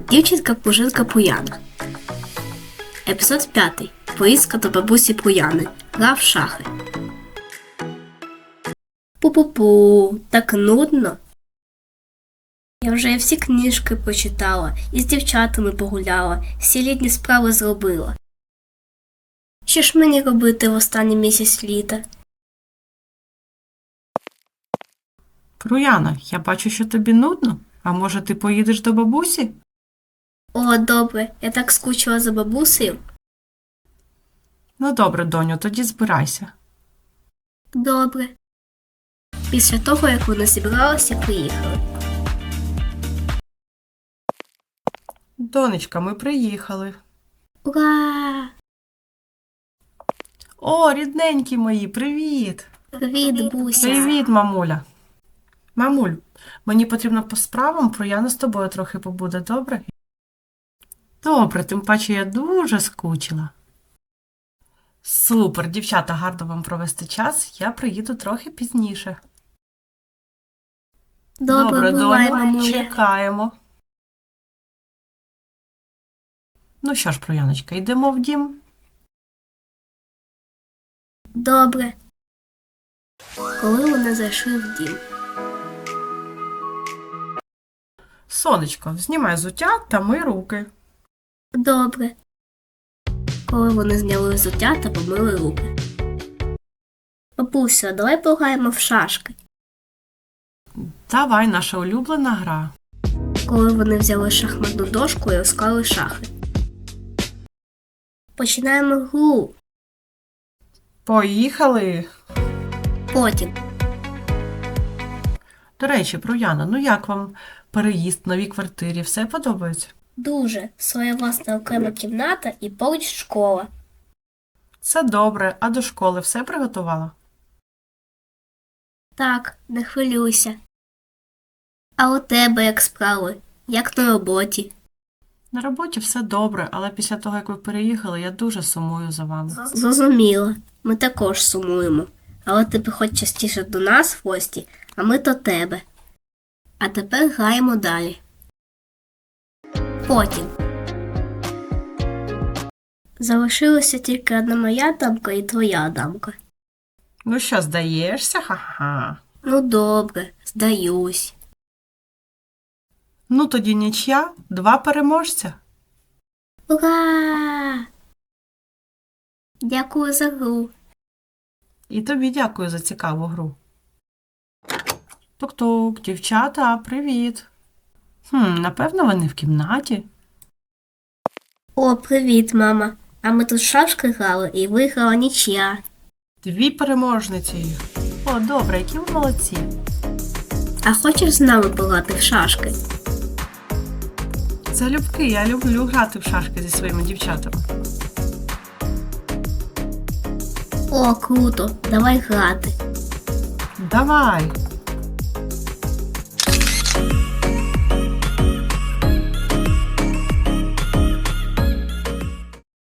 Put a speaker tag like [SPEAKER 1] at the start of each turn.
[SPEAKER 1] Дівчинка Пужинка Пуяна. Епізод 5. Поїздка до бабусі Пуяни. Гра в шахи. Пу-пу-пу, так нудно. Я вже всі книжки почитала, і з дівчатами погуляла, всі літні справи зробила. Що ж мені робити в останній місяць літа?
[SPEAKER 2] Пруяна, я бачу, що тобі нудно. А може, ти поїдеш до бабусі?
[SPEAKER 1] О, добре, я так скучила за бабусею.
[SPEAKER 2] Ну добре, доню, тоді збирайся.
[SPEAKER 1] Добре. Після того, як вони зібралися, приїхали.
[SPEAKER 2] Донечка, ми приїхали.
[SPEAKER 1] Ура!
[SPEAKER 2] О, рідненькі мої, привіт!
[SPEAKER 1] Привіт, Буся!
[SPEAKER 2] Привіт, мамуля. Мамуль, мені потрібно по справам, Пруяна з тобою трохи побуде, добре? Добре, тим паче я дуже скучила. Супер, дівчата, гарно вам провести час, я приїду трохи пізніше.
[SPEAKER 1] Добре, бувай,
[SPEAKER 2] доню,
[SPEAKER 1] мамуля.
[SPEAKER 2] чекаємо. Ну що ж, Пруяночка, йдемо в дім?
[SPEAKER 1] Добре. Коли вони зайшли в дім.
[SPEAKER 2] Сонечко, знімай взуття та мий руки.
[SPEAKER 1] Добре. Коли вони зняли взуття та помили руки. Бабуся, давай пограємо в шашки.
[SPEAKER 2] Давай, наша улюблена гра.
[SPEAKER 1] Коли вони взяли шахматну дошку і розклали шахи. Починаємо гру.
[SPEAKER 2] Поїхали!
[SPEAKER 1] Потім.
[SPEAKER 2] До речі, Пруяна, ну як вам переїзд в новій квартирі? Все подобається?
[SPEAKER 1] Дуже. Своя власна окрема кімната і поруч школа.
[SPEAKER 2] Це добре, а до школи все приготувала?
[SPEAKER 1] Так, не хвилюйся. А у тебе як справи? Як на роботі?
[SPEAKER 2] На роботі все добре, але після того, як ви переїхали, я дуже сумую за вами.
[SPEAKER 1] Зрозуміло. Ми також сумуємо. Але ти приходь частіше до нас в гості, а ми до тебе. А тепер граємо далі. Потім. Залишилася тільки одна моя дамка і твоя дамка.
[SPEAKER 2] Ну що, здаєшся? Ха-ха.
[SPEAKER 1] Ну добре, здаюсь.
[SPEAKER 2] Ну тоді нічия, 2 переможця.
[SPEAKER 1] Ура! Дякую за гру.
[SPEAKER 2] І тобі дякую за цікаву гру. Тук-тук, дівчата, привіт. Напевно, вони в кімнаті.
[SPEAKER 1] О, привіт, мама. А ми тут в шашки грали і виграла нічия.
[SPEAKER 2] 2 переможниці. О, добре, які ви молодці.
[SPEAKER 1] А хочеш з нами пограти в шашки?
[SPEAKER 2] Залюбки, я люблю грати в шашки зі своїми дівчатами.
[SPEAKER 1] О, круто, давай грати.
[SPEAKER 2] Давай.